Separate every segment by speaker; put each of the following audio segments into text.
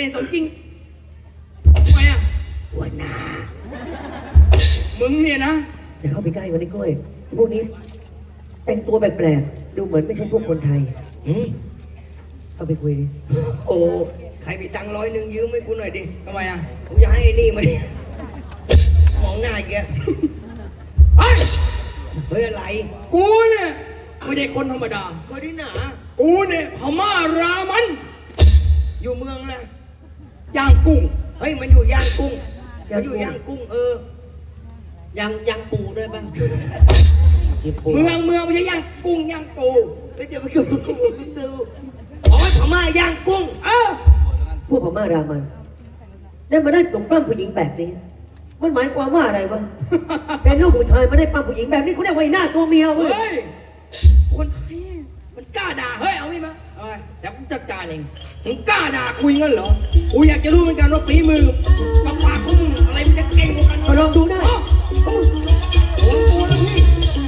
Speaker 1: ล่นสมจริงทำไมอ่ะหัวหน้ามึงเนี่ยนะ
Speaker 2: อย่าเข้าไปใกล้มันไอ้กล้วยพวกนี้แต่งตัวแปลกๆดูเหมือนไม่ใช่พวกคนไทยเข้าไปคุยดิ
Speaker 3: โอ้ใครมีตังค์100ยืมให้กูหน่อยดิ
Speaker 1: ทำไมอ่ะ
Speaker 3: กูอยากให้ไอ้นี่มาดิมองหน้าแกเฮ้ยอะไร
Speaker 1: กูเนี่ยไม่ใช่คนธรรมดา
Speaker 3: ก็ที่หนา
Speaker 1: กูเนี่ยพม่ารามัน
Speaker 3: อยู่เมืองนะ
Speaker 1: ย่างกุ้ง
Speaker 3: เฮ้ยมันอยู่ย่างกุ้งมันอยู่ย่างกุ้ง
Speaker 2: ย่างปูด้วยป่ะ
Speaker 1: เมืองไม่ใช่ย่างกุ้งย่างปู
Speaker 3: ก็จะไปกับกุ้งดูอ๋อพม่าย่างกุ้ง
Speaker 2: พวกพม่ารามันได้มาได้ปลุกปล้ำผู้หญิงแบบนี้มันหมายความว่าอะไรวะเป็นลูกผู้ชายมาได้ปล้ำผู้หญิงแบบนี้เขาเรียกว่าหน้าตัวเมียเว้ย
Speaker 1: คนไทยมันกล้าด่าเฮ้ยเอาไหมมาเดี๋ยวกูจัดการเองมึงกล้าด่าคุยงั้นเหรอกูอยากจะรู้เหมือนกันว่าฝีมือกับปากของมึงอะไรมันจะเก่งกว่ากัน
Speaker 2: ลองดูได้
Speaker 1: โอ้โหแล้วพี่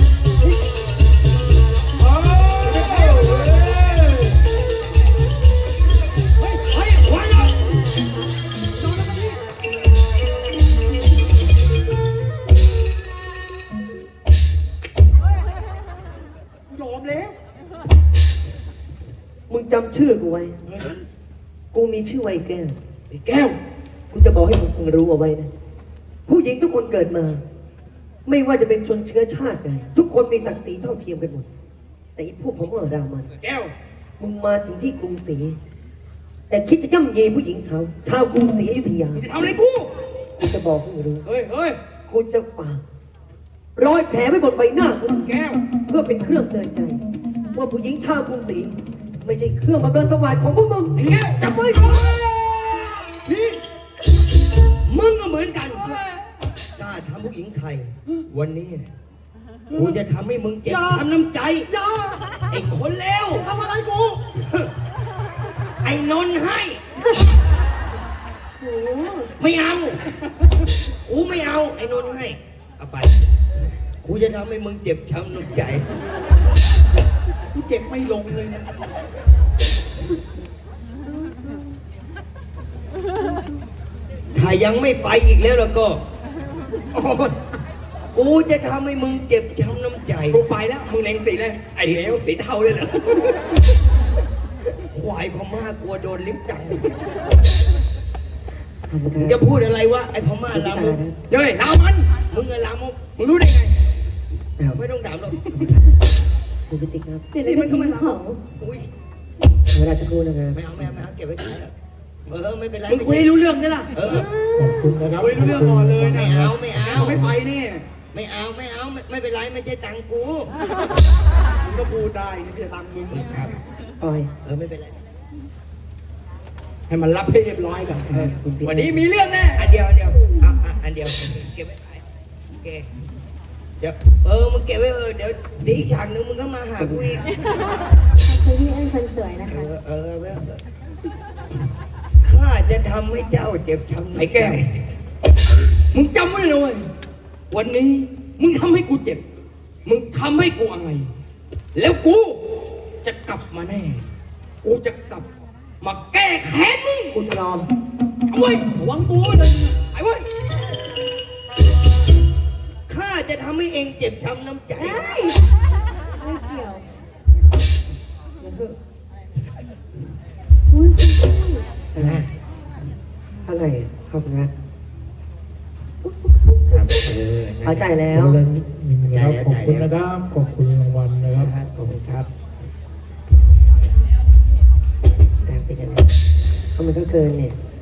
Speaker 2: มึงจำชื่อกูไว้กูมีชื่อไว้แก้ว
Speaker 1: แก้ว
Speaker 2: กูจะบอกให้มึงรู้เอาไว้นะผู้หญิงทุกคนเกิดมาไม่ว่าจะเป็นชนเชื้อชาติใดทุกคนมีศักดิ์ศรีเท่าเทียมกันหมดแต่อีพวกผมว่ารามัน
Speaker 1: แก้ว
Speaker 2: มึงมาถึงที่กรุงศรีแต่คิดจะย่ำเยผู้หญิงชาวกรุงศรีอยุธยา
Speaker 1: จะทำอะไรกู
Speaker 2: จะบอกให้มึงรู้
Speaker 1: เฮ้ย
Speaker 2: กูจะฝากรอยแผลไว้บนใบหน้ากู
Speaker 1: แก้ว
Speaker 2: เพื่อเป็นเครื่องเตือนใจว่าผู้หญิงชาวกรุงศรีไม่ใช่เครื่องบำเรอสวรรค์ของพวกมึง
Speaker 1: ไอ้แก้ว
Speaker 2: จับไว้
Speaker 3: นี่มึงก็เหมือนกันกล้าทำผู้หญิงไทยวันนี้กูจะทำให้มึงเจ็บช้ำน้ำใจไอ้คนเลว
Speaker 2: ทำอะไรกู
Speaker 3: ไอ้นนให้ไม่เอากูไม่เอาไอ้นนให้เอาไปกูจะทำให้มึงเจ็บช้ำน้ำใจ
Speaker 1: กูเจ็บไม่ลงเลยนะ
Speaker 3: ถ้ายังไม่ไปอีกแล้วก็กูจะทำให้มึงเจ็บช้ำน้ำใจ
Speaker 1: กูไปแล้วมึงเล็งสีเลยไอ้เหวสีเทาเลยเหรอ
Speaker 3: ควายพม่ากลัวโดนลิ้มจังจะพูดอะไรวะไอ้พม่าลามก
Speaker 1: เฮ้ยลามัน
Speaker 3: มึงเงินลามก
Speaker 1: มึงรู้ได้ไง
Speaker 3: ไม่ต้องถามหรอก
Speaker 2: คุณพิติครับ
Speaker 1: นี่มันก็ไม่ลามก
Speaker 3: อุ้ย
Speaker 2: เวลาสักครู่นะครับ
Speaker 3: ไม่เอาเก็บไว้ใช้ไม่เป็นไร
Speaker 1: มึงคุยให้รู้เรื่องใช่ไหม
Speaker 2: ขอบคุณนะครับ
Speaker 1: คุยรู้เรื่องก่อนเลย
Speaker 3: ไม่เอา
Speaker 1: ไม่ไปนี่
Speaker 3: ไม่เอาไม่เป็นไรไม่ใช่ตังกู
Speaker 1: มึงก็พูดได้ไม่ใช่ตังมึง
Speaker 3: ครับ
Speaker 2: ปล่อย
Speaker 3: ไม่เป็นไร
Speaker 1: ให้มันรับให้เรียบร้อยก่อนวันนี้มีเรื่องแน่
Speaker 3: อันเดียวอันเดียวเก็บไว้ขายโอเคเดี๋ยวมึงเก็บไว้เดี๋ยวอีกฉากนึงมึงก็มาหากูอีก
Speaker 4: คุณพี่เอิญคนสวยนะคะ
Speaker 3: ข้าจะทำให้เจ้าเจ็บช้ำ
Speaker 1: ไอ้แก้วมึงจำไว้เลยเว้ยวันนี้มึงทำให้กูเจ็บมึงทำให้กูอายแล้วกูจะกลับมาแน่กูจะกลับมาแก้แค้นมึง
Speaker 2: กูจะรอ
Speaker 1: เอาไว้ระวังตัวเลยไอ้เว้ย
Speaker 3: ข้าจะทำให้เองเจ็บช้ำน้ำใจ
Speaker 4: ไม่เกี่ยว
Speaker 2: อะไรขอบคุณครับพอใจแล้ว
Speaker 5: ขอบคุณนะครับขอบคุณรางวัลนะครับ
Speaker 3: ขอบคุณครับ
Speaker 2: แต่เป็นยังไงก็มันก็เกินเนี่ย